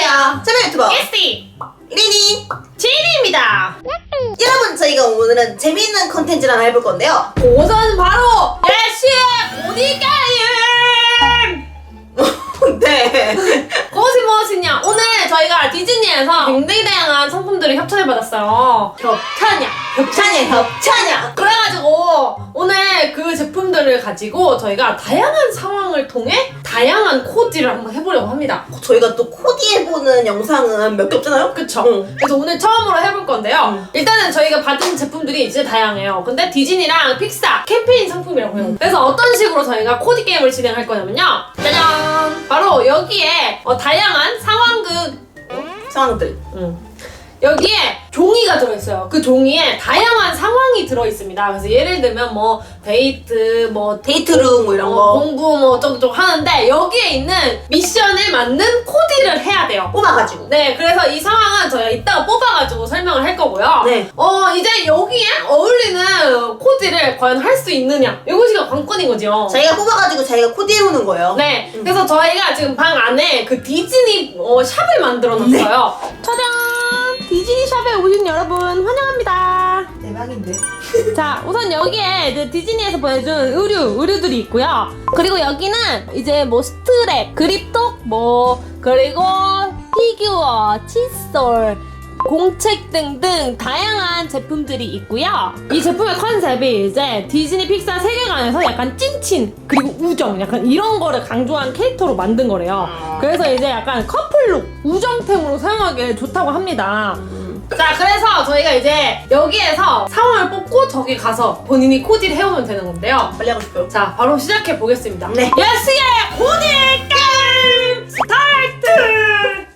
안녕하세요. 참여 유튜버 예스티 리니 지인입니다. 여러분, 저희가 오늘은 재미있는 컨텐츠를 하나 해볼 건데요. 그것은 바로 예시의 보디게임. 네. 그것이 무엇이냐? 오늘 저희가 디즈니에서 굉장히 다양한 상품들을 협찬을 받았어요. 협찬이야. 그래가지고 오늘 그 제품들을 가지고 저희가 다양한 상황을 통해 다양한 코디를 한번 해보려고 합니다. 저희가 또 코디해보는 영상은 몇 개 없잖아요? 그쵸? 응. 그래서 오늘 처음으로 해볼 건데요. 일단은 저희가 받은 제품들이 진짜 다양해요. 근데 디즈니랑 픽사 캠페인 상품이라고 해요. 그래서 어떤 식으로 저희가 코디 게임을 진행할 거냐면요. 짜잔! 바로 여기에 다양한 상황들. 여기에 종이가 들어있어요. 그 종이에 다양한 상황이 들어있습니다. 그래서 예를 들면 뭐 데이트, 뭐 데이트룸 뭐 이런 거 공부 뭐 어쩌고저쩌고 하는데 여기에 있는 미션에 맞는 코디를 해야 돼요. 뽑아가지고. 네, 그래서 이 상황은 저희가 이따가 뽑아가지고 설명을 할 거고요. 네. 이제 여기에 어울리는 코디를 과연 할 수 있느냐, 이것이 관건인 거죠. 자기가 뽑아가지고 자기가 코디해오는 거예요. 네, 그래서 저희가 지금 방 안에 그 디즈니 샵을 만들어놨어요. 짜잔! 디즈니 샵에 오신 여러분 환영합니다. 대박인데. 자, 우선 여기에 이제 디즈니에서 보내준 의류들이 있고요. 그리고 여기는 이제 뭐 스트랩, 그립톡, 그리고 피규어, 칫솔, 공책 등등 다양한 제품들이 있고요. 이 제품의 컨셉이 이제 디즈니 픽사 세계관에서 약간 찐친 그리고 우정 약간 이런 거를 강조한 캐릭터로 만든 거래요. 그래서 이제 약간 커플룩, 우정템으로 사용하기에 좋다고 합니다. 자, 그래서 저희가 이제 여기에서 상황을 뽑고 저기 가서 본인이 코디를 해오면 되는 건데요. 빨리 하고 싶어요. 자, 바로 시작해 보겠습니다. 네. 예스의 코디 게임 스타트!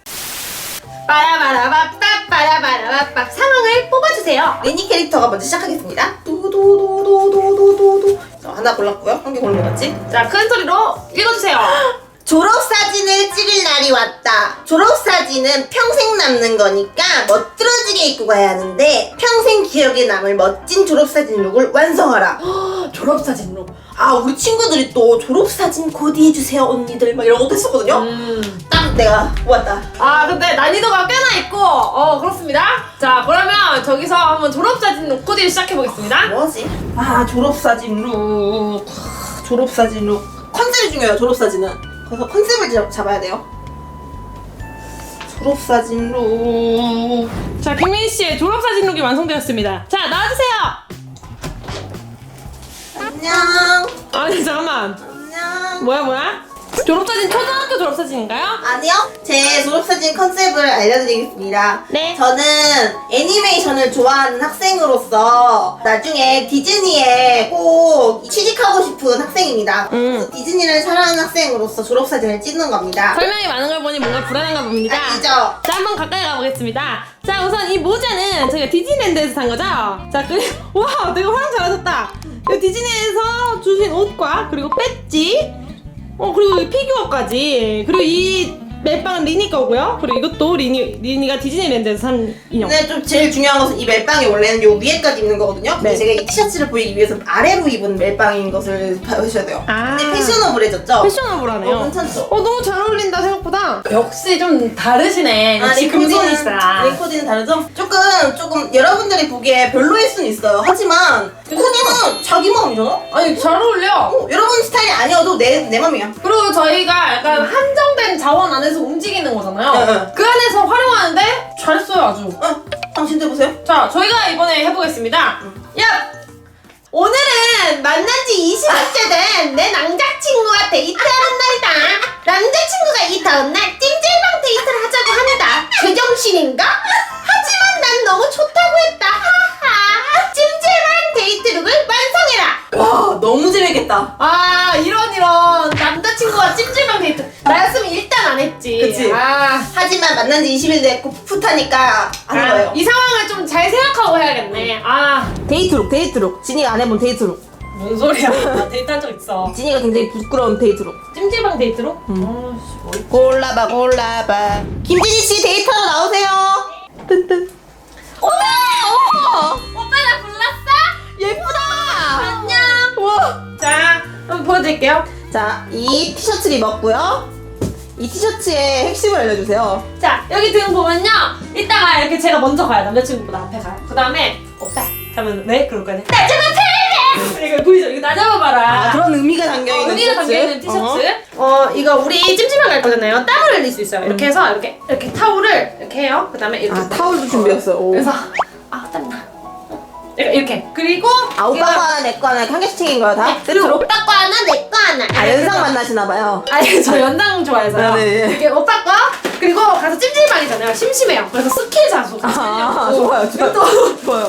빠라바라바빠 상황을 뽑아주세요. 리니 캐릭터가 먼저 시작하겠습니다. 도도도도도도도도. 자, 하나 골랐고요. 한 개 고른 거 맞지? 자, 큰 소리로 읽어주세요. 졸업사진을 찍을 날이 왔다. 졸업사진은 평생 남는 거니까 멋들어지게 입고 가야 하는데 평생 기억에 남을 멋진 졸업사진 룩을 완성하라. 졸업사진으로. 아, 우리 친구들이 또 졸업사진 코디해주세요 언니들 막 이런 것도 했었거든요. 딱 내가 모았다. 아, 근데 난이도가 꽤나 있고 그렇습니다. 자, 그러면 저기서 한번 졸업사진 코디를 시작해보겠습니다. 뭐지? 아, 졸업사진 룩. 졸업사진 룩. 컨셉이 중요해요, 졸업사진은. 그래서 컨셉을 잡아야 돼요. 졸업사진 룩. 자, 김민 씨의 졸업사진 룩이 완성되었습니다. 자, 나와주세요. 안녕. 아니, 잠깐만. 안녕. 뭐야? 졸업사진 초등학교 졸업사진인가요? 아니요. 제 졸업사진 컨셉을 알려드리겠습니다. 네. 저는 애니메이션을 좋아하는 학생으로서 나중에 디즈니에 꼭 취직하고 싶은 학생입니다. 그래서 디즈니를 사랑하는 학생으로서 졸업사진을 찍는 겁니다. 설명이 많은 걸 보니 뭔가 불안한가 봅니다. 아니죠? 자, 한번 가까이 가보겠습니다. 자, 우선 이 모자는 저희가 디즈니랜드에서 산 거죠? 자, 와, 되게 활용 잘하셨다. 이 디즈니에서 주신 옷과 그리고 배지, 그리고 이 피규어까지, 그리고 이 멜빵은 리니 거고요. 그리고 이것도 리니가 디즈니랜드에서 산 인형. 근데 좀 제일 중요한 것은 이 멜빵이 원래는 요 위에까지 입는 거거든요. 근데 네. 제가 이 티셔츠를 보이기 위해서 아래로 입은 멜빵인 것을 봐주셔야 돼요. 아. 근데 패셔너블해졌죠? 패셔너블하네요. 괜찮죠? 너무 잘 어울린다 생각보다. 역시 좀 다르시네. 역시 금손이시다. 리코디는 다르죠? 조금 여러분들이 보기에 별로일 수는 있어요. 하지만 코디는 자기 마음이잖아? 아니, 잘 어울려. 여러분 스타일이 아니어도 내 맘이야. 그리고 저희가 약간 한정된 자원 안에서 움직이는 거잖아요. 응. 그 안에서 활용하는데 잘했어요, 아주. 당신도 해보세요. 자, 저희가 이번에 해보겠습니다. 야! 오늘은 만난 지 20일째 된 내 남자친구와 데이트하는 날이다. 남자친구가 이 다음날 찜질방 데이트를 하자고 합니다. 제정신인가? 하지만 난 너무 좋다고 했다. 하하. 찜질방 데이트룩을 완성해라. 와, 너무 재밌겠다. 아, 이런 남자친구와 찜질방 데이트. 나였으면 일단 안 했지. 그치? 하지만 만난 지 20일 됐고 풋풋하니까 하는 거예요. 이 상황을 좀 잘 생각하고 해야겠네. 데이트룩. 지니가 안 해본 데이트룩. 뭔 소리야. 나 데이트한 적 있어. 지니가 굉장히 부끄러운 데이트룩. 찜질방 데이트로? 골라봐. 김진희씨 데이트하러 나오세요. 뜬뜬. 오빠 나 불렀어? 예쁘다. 안녕. 우와. 자, 한번 보여드릴게요. 자, 이 티셔츠를 입었고요. 이 티셔츠의 핵심을 알려주세요. 자, 여기 등 보면요. 이따가 이렇게 제가 먼저 가요. 남자친구보다 앞에 가요. 그 다음에 오빠 하면 왜? 그럴 거네. 나 잡아줄래! 이거 보이죠? 이거 나 잡아봐라. 아, 그런 의미가 담겨있는 의미가 티셔츠. 담겨있는 티셔츠. 이거 우리 찜질방 갈 거잖아요. 땀을 흘릴 수 있어요. 이렇게 해서 이렇게 타올을 이렇게 해요. 그 다음에 이렇게. 아, 타올도 준비했어요. 오. 그래서 땀나. 이렇게. 그리고 아, 오빠 거 하나, 내 거 하나, 한 개씩 챙긴 거야, 다? 그리고 오빠 거 하나, 내 거 하나. 아, 연상 만나시나봐요. 아니, 저 연상 좋아해서요. 네. 이렇게 오빠 거, 그리고 가서 찜질방이잖아요. 심심해요. 그래서 스킬 자수. 아, 좋아요, 좋아요. 또 좋아요.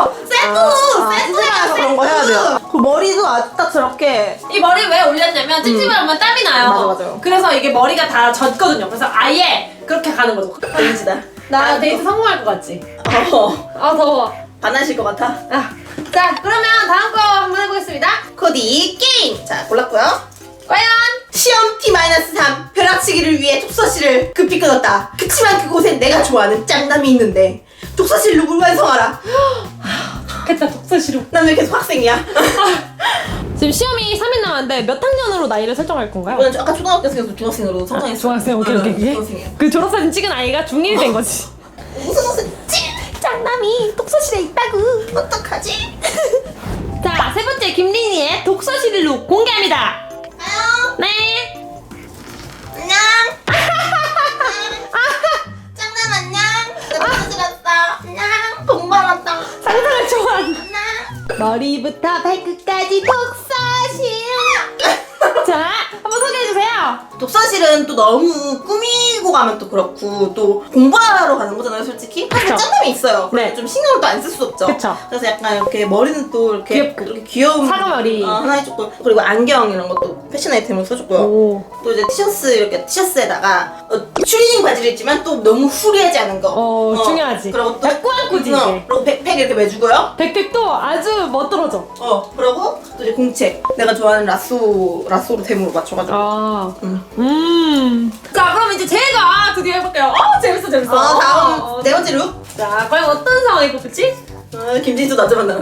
세트야, 그런 거 해야 돼요. 그 머리도 아주 딱 저렇게. 이 머리 왜 올렸냐면 찜질방하면 땀이 나요. 맞아요. 그래서 이게 머리가 다 젖거든요. 그래서 아예 그렇게 가는 거죠. 데이지다. 나 데이트 성공할 것 같지? 아 더워. 반하실 것 같아. 자, 그러면 다음 거 한번 해보겠습니다. 코디 게임. 자, 골랐고요. 과연 시험 T-3 벼락치기를 위해 독서실을 급히 끊었다. 그치만 그곳엔 내가 좋아하는 짱남이 있는데 독서실 룩을 완성하라. 좋겠다. 독서실로. 난 왜 계속 학생이야? 지금 시험이 3일 남았는데 몇 학년으로 나이를 설정할 건가요? 저는 아까 초등학교에서 중학생으로 성장했어요. 중학생, 오케이. 중학생이에요. 그 졸업사진 찍은 아이가 중1 된 거지. 무슨 짱남이 독서실에 있다고. 어떡하지? 자, 세 번째 김린이의 독서실 룩 공개합니다. 아요. 네. 안녕. 짱남 안녕. 나 독서실 왔어. 안녕. 돈 벌었다. 상상을 좋아한. 안녕. 머리부터 발끝까지 독서실. 자, 한번 소개해주세요. 독서실은 또 너무 꾸미고 가면 또 그렇고 또 공부하러 가는 거잖아요, 솔직히. 사실 그쵸. 짱남이 있어요. 네. 좀 신경을 또 안 쓸 수 없죠. 그쵸. 그래서 약간 이렇게 머리는 또 이렇게 귀엽고. 이렇게 귀여운 사과머리. 하나 해줬고 그리고 안경 이런 것도 패션 아이템으로 써줬고요. 오. 또 이제 티셔츠에다가 추리닝 바지를 입지만 또 너무 후리하지 않은 거. 중요하지. 그리고 또 꾸안꾸지, 이게. 그리고 백팩 이렇게 매주고요. 백팩도 아주 멋들어져. 그리고 또 이제 공책. 내가 좋아하는 라쏘로 템으로 맞춰가지고. 아. 음. 자, 그럼 이제 제가 드디어 해볼게요. 재밌어. 다음 네 번째 룩. 자, 과연 어떤 상황이 뽑힐지? 김진수 나저 만나라.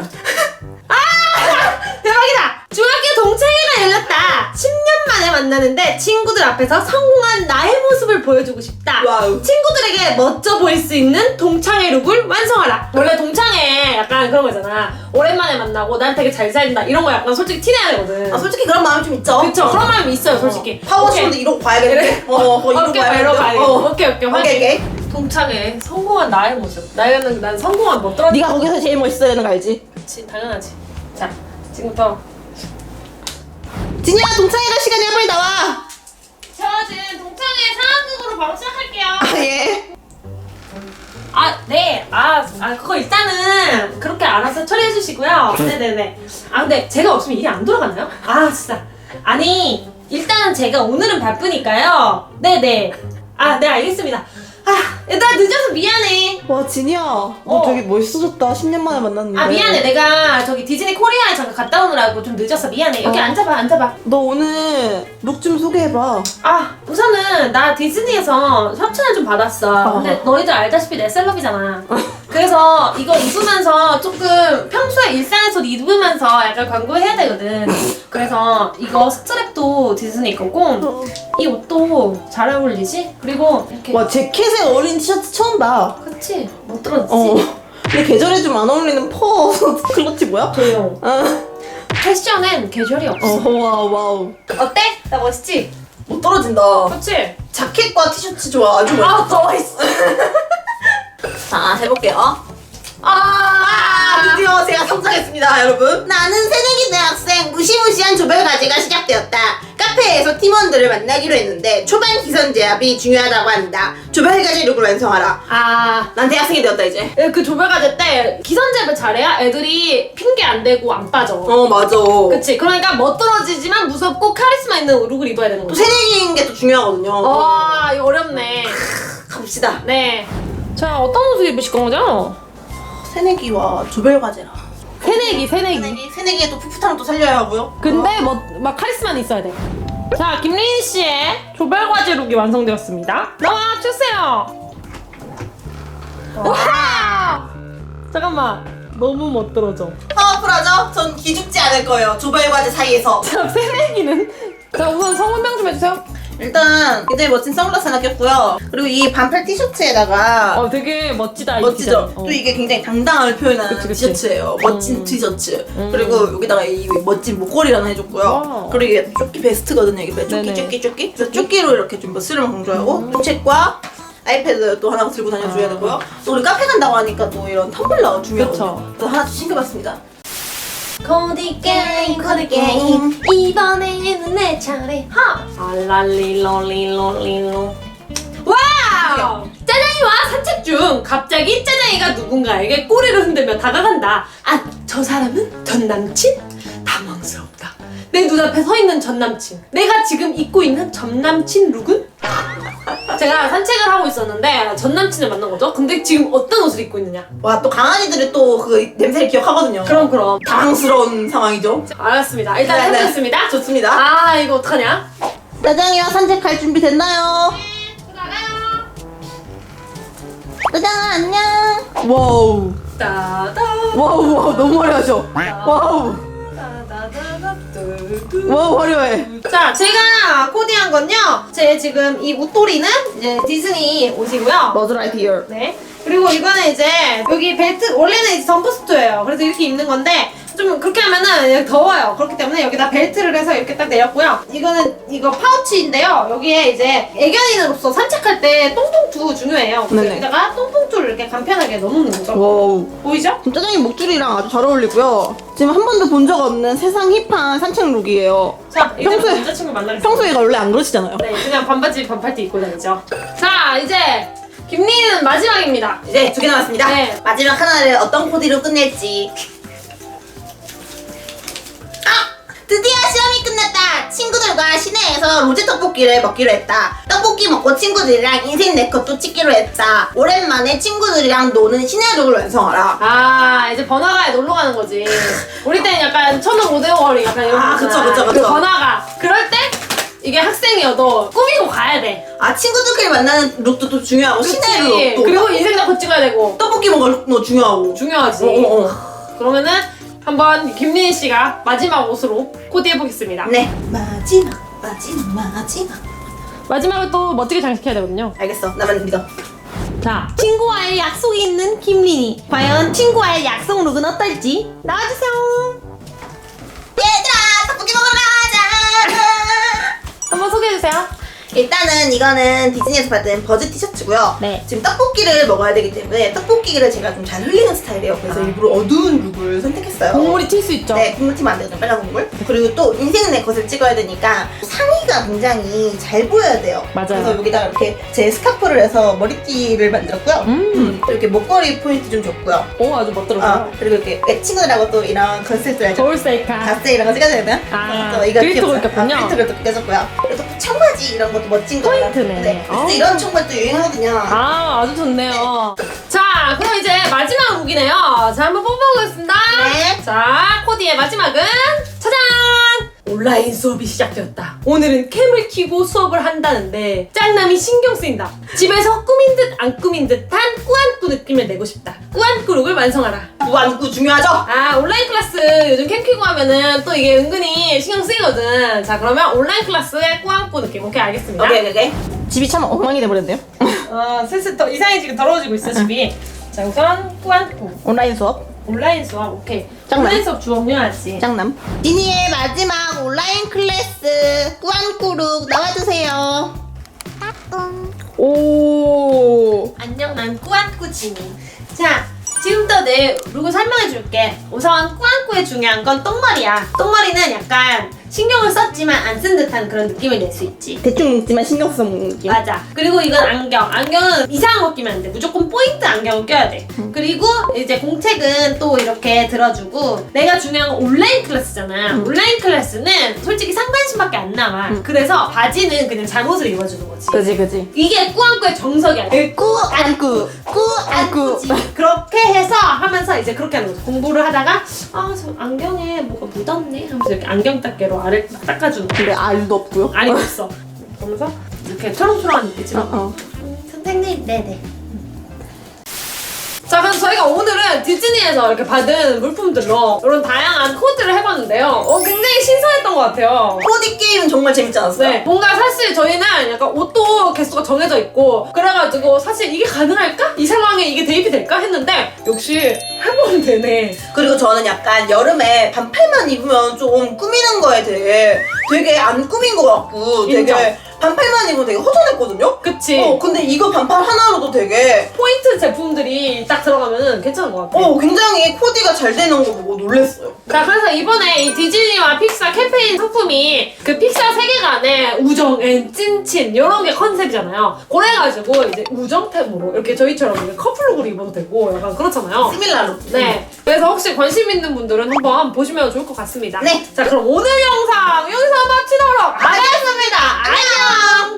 대박이다! 중학교 동창회가 열렸다. 10년 만에 만나는데 친구들 앞에서 성공한 나의 모습을 보여주고 싶다. 와우. 친구들에게 멋져 보일 수 있는 동창회 룩을 완성하라. 원래 동창회 약간 그런 거잖아. 오랜만에 만나고 난 되게 잘 살린다. 이런 거 약간 솔직히 티내야 되거든. 솔직히 그런 마음 좀 있죠. 그쵸? 그런 마음이 있어요, 솔직히. 파워쇼도 이러고 봐야겠는데. 이러고 봐야겠는데. 오케이. 오케이. 동창회 성공한 나의 모습. 난 성공한 못 들어. 네가 거기서 제일 멋있어야 되는 거 알지? 그치, 당연하지. 자, 지금부터. 진이야 동창회 갈 시간이야 빨리 나와. 저 지금 동창회 상황극으로 바로 시작할게요. 예. 네. 그거 일단은 그렇게 알아서 처리해 주시고요. 네네네. 근데 제가 없으면 일이 안 돌아가나요? 진짜. 아니, 일단은 제가 오늘은 바쁘니까요. 네네. 네, 알겠습니다. 얘들아, 늦어서 미안해. 와 진이야 너 되게 멋있어졌다. 10년 만에 만났는데. 미안해. 내가 저기 디즈니 코리아에 잠깐 갔다 오느라고 좀 늦어서 미안해. 여기 앉아봐. 너 오늘 룩 좀 소개해봐. 우선은 나 디즈니에서 협찬을 좀 받았어. 근데 너희들 알다시피 내 셀럽이잖아. 그래서 이거 입으면서 조금 평소에 일상에서 입으면서 약간 광고해야 되거든. 그래서 이거 스트랩도 디즈니 거고 이 옷도 잘 어울리지? 그리고 이렇게 와 재킷에 어울리는 티셔츠 처음 봐. 그치? 못 들었지? 근데 계절에 좀 안 어울리는 퍼 클러치 뭐야? 조용. 패션엔 계절이 없어. 와우. 어때? 나 멋있지? 못 떨어진다. 그치? 자켓과 티셔츠 좋아. 아주 멋있어. 더 멋있어. 자 해볼게요. 드디어 제가 성장했습니다 여러분. 나는 새내기 대학생 무시무시한 조별과제가 시작되었다. 카페에서 팀원들을 만나기로 했는데 초반 기선 제압이 중요하다고 한다. 조별과제 룩을 완성하라. 난 대학생이 되었다 이제. 그 조별과제 때 기선제압을 잘해야 애들이 핑계 안 대고 안 빠져. 맞아. 그치? 그러니까 멋들어지지만 무섭고 카리스마 있는 룩을 입어야 되는 또 거지. 새내기인 게 또 중요하거든요. 이거 어렵네. 가봅시다. 네. 자, 어떤 옷을 입으실 거죠? 새내기와 조별과제라. 새내기. 새내기의 또 풋풋함을 또 살려야 하고요. 근데 막 카리스마는 있어야 돼. 자, 김린 씨의 조별과제 룩이 완성되었습니다. 나와 주세요. 와! 잠깐만. 너무 멋들어져. 파워풀하죠? 전 기죽지 않을 거예요. 조별과제 사이에서. 자, 새내기는? 자, 우선 성분명 좀 해주세요. 일단 굉장히 멋진 선글라스 하나 꼈고요. 그리고 이 반팔 티셔츠에다가 되게 멋지다. 이 멋지죠? 디자인. 또 이게 굉장히 당당함을 표현하는 그치. 티셔츠예요. 멋진 티셔츠. 그리고 여기다가 이 멋진 목걸이 하나 해줬고요. 와우. 그리고 이게 조끼 베스트거든요. 이게 네네. 조끼. 그래서 조끼로 이렇게 좀 멋스름을 강조하고 책과 아이패드 또 하나 들고 다녀줘야 되고요. 또 우리 카페 간다고 하니까 또 이런 텀블러 중요하거든요. 또 하나 챙겨봤습니다. 코디 게임 이번에는 내 차례 알랄리롤리롤리로 와우! 짜장이와 산책 중 갑자기 짜장이가 누군가에게 꼬리를 흔들며 다가간다. 아, 저 사람은 전 남친? 당황스럽다. 내 눈앞에 서 있는 전 남친. 내가 지금 입고 있는 전 남친 룩은? 제가 산책을 하고 있었는데 전 남친을 만난 거죠. 근데 지금 어떤 옷을 입고 있느냐? 와, 또 강아지들이 또 그 냄새를 기억하거든요. 그럼 당황스러운 상황이죠. 알았습니다. 일단 네네. 해보겠습니다. 좋습니다. 아, 이거 어떡하냐? 짜장이와 산책할 준비 됐나요? 나가요. 짜장아 안녕. 와우. 따다. 와우 너무 화려하죠. 와우 화려해. 자, 제가 코디한 건요. 제 지금 이 웃도리는 이제 디즈니 옷이고요. Buzz Lightyear. 네. 그리고 이거는 이제 여기 벨트 원래는 이제 점퍼스트예요. 그래서 이렇게 입는 건데 좀 그렇게 하면은 더워요. 그렇기 때문에 여기다 벨트를 해서 이렇게 딱 내렸고요. 이거는 이거 파우치인데요. 여기에 이제 애견인으로서 산책할 때 똥통투 중요해요. 그래서 네네. 여기다가 똥통투를 이렇게 간편하게 넣어놓는 거죠. 와우. 보이죠? 짜장이 목줄이랑 아주 잘 어울리고요. 지금 한 번도 본 적 없는 세상 힙한 산책 룩이에요. 자, 이제 평소에- 남자친구 만나겠습니다. 평소에 원래 안 그러시잖아요. 네, 그냥 반바지 반팔티 입고 다니죠. 자, 이제 김리는 마지막입니다. 이제 2개 남았습니다. 네. 마지막 하나를 어떤 코디로 끝낼지. 드디어 시험이 끝났다. 친구들과 시내에서 로제 떡볶이를 먹기로 했다. 떡볶이 먹고 친구들이랑 인생 네컷도 찍기로 했다. 오랜만에 친구들이랑 노는 시내룩을 완성하라. 아, 이제 번화가에 놀러 가는 거지. 우리 때는 약간 천원 오대오거리 약간 이런 거 아, 있잖아. 그쵸. 그 번화가. 그럴 때 이게 학생이어도 꾸미고 가야 돼. 아, 친구들끼리 만나는 룩도 또 중요하고 시내 룩도 그리고 인생 나고 찍어야 되고. 떡볶이 먹을 룩도 중요하고. 중요하지. 그러면은 한번 김린 씨가 마지막 옷으로 코디해 보겠습니다. 네. 마지막. 마지막을 또 멋지게 장식해야 되거든요. 알겠어. 나만 믿어. 자, 친구와의 약속이 있는 김린이. 과연 친구와의 약속 룩은 어떨지 나와주세요. 얘들아, 떡볶이 먹으러 가자. 한번 소개해주세요. 일단은 이거는 디즈니에서 받은 버즈 티셔츠고요. 네. 지금 떡볶이를 먹어야 되기 때문에 떡볶이를 제가 좀 잘 흘리는 스타일이에요. 그래서 일부러 어두운 룩을 선택했어요. 국물이 튈 수 있죠. 네, 국물 튀면 안 되거든요. 빨간 국물. 그리고 또 인생 내 것을 찍어야 되니까 상의가 굉장히 잘 보여야 돼요. 맞아요. 그래서 여기다가 이렇게 제 스카프를 해서 머리띠를 만들었고요. 이렇게 목걸이 포인트 좀 줬고요. 오, 아주 멋들어요. 그리고 이렇게 친구들하고 또 이런 컨셉들 겨울 셀카. 가스 이런 거 찍어야 되나? 아, 또 이거 그리토가 귀엽죠? 꼈군요. 그리토를 또 껴줬고요. 그리고 또 청바지 이런 것도 멋진 거. 포인트네. 네. 아. 그래서 이런 청바지 또 유행하거든요. 아, 아주 좋네요. 자, 그럼 이제 마지막 룩이네요. 자, 한번 뽑아보겠습니다. 네. 자, 코디의 마지막은 짜잔! 온라인 수업이 시작되었다. 오늘은 캠을 켜고 수업을 한다는데 짱남이 신경 쓰인다. 집에서 꾸민 듯 안 꾸민 듯한 꾸안꾸 느낌을 내고 싶다. 꾸안꾸 룩을 완성하라. 무안구 중요하죠? 아, 온라인 클래스 요즘 캠 켜고 하면은 또 이게 은근히 신경 쓰이거든. 자, 그러면 온라인 클래스의 꾸안꾸 느낌. 오케이, 알겠습니다. 오케이. 집이 참 엉망이 돼버렸네요. 슬슬 더 이상해지고 더러워지고 있어, 집이. 자, 우선 꾸안꾸. 온라인 수업. 온라인 수업, 오케이. 짱남. 온라인 수업 주업료하지. 짱남. 디니의 마지막 온라인 클래스 꾸안꾸룩 나와주세요. 오. 안녕, 난 꾸안꾸 지니. 자, 지금부터 내 룩을 설명해 줄게. 우선 꾸안꾸의 중요한 건 똥머리야. 똥머리는 약간 신경을 썼지만 안 쓴 듯한 그런 느낌을 낼 수 있지. 대충 먹지만 신경 써서 먹는 느낌. 맞아. 그리고 이건 안경. 안경은 이상한 거 끼면 안 돼. 무조건 포인트 안경을 껴야 돼. 그리고 이제 공책은 또 이렇게 들어주고, 내가 중요한 건 온라인 클래스잖아. 온라인 클래스는 솔직히 상반신밖에 안 나와. 그래서 바지는 그냥 잠옷을 입어주는 거지. 그지. 이게 꾸안꾸의 정석이야. 꾸안꾸. 꾸안꾸지. 그렇게 해서 하면서 이제 그렇게 하는 거죠. 공부를 하다가 아, 저 안경에 뭐가 묻었네 하면서 이렇게 안경 닦개로 알을 딱 닦아주는 거야. 근데 알도 없고요. 알이 없어. 그러면서 이렇게 초롱초롱한 눈빛으로 어. 선생님, 네네. 자, 그럼 저희가 오늘은 디즈니에서 이렇게 받은 물품들로 이런 다양한 코디를 해봤는데요. 굉장히 신선했던 것 같아요. 코디 게임은 정말 재밌지 않았어요? 네, 뭔가 사실 저희는 약간 옷도 개수가 정해져 있고 그래가지고 사실 이게 가능할까? 이 상황에 이게 대입이 될까? 했는데 역시 해보면 되네. 그리고 저는 약간 여름에 반팔만 입으면 좀 꾸미는 거에 되게 안 꾸민 것 같고 되게 인정. 반팔만 입으면 되게 허전했거든요? 그치? 근데 이거 반팔 하나로도 되게 포인트 제품들이 딱 들어가면 괜찮은 것 같아. 굉장히 코디가 잘 되는 거 보고 놀랬어요. 자, 그래서 이번에 이 디즈니와 픽사 캠페인 상품이 그 픽사 세계관의 우정 앤 찐친 이런 게 컨셉이잖아요. 그래가지고 이제 우정템으로 이렇게 저희처럼 이렇게 커플룩으로 입어도 되고 약간 그렇잖아요. 시밀라로. 네. 그래서 혹시 관심 있는 분들은 한번 보시면 좋을 것 같습니다. 네. 자, 그럼 오늘 영상 여기서 마치도록 하겠습니다. 안녕!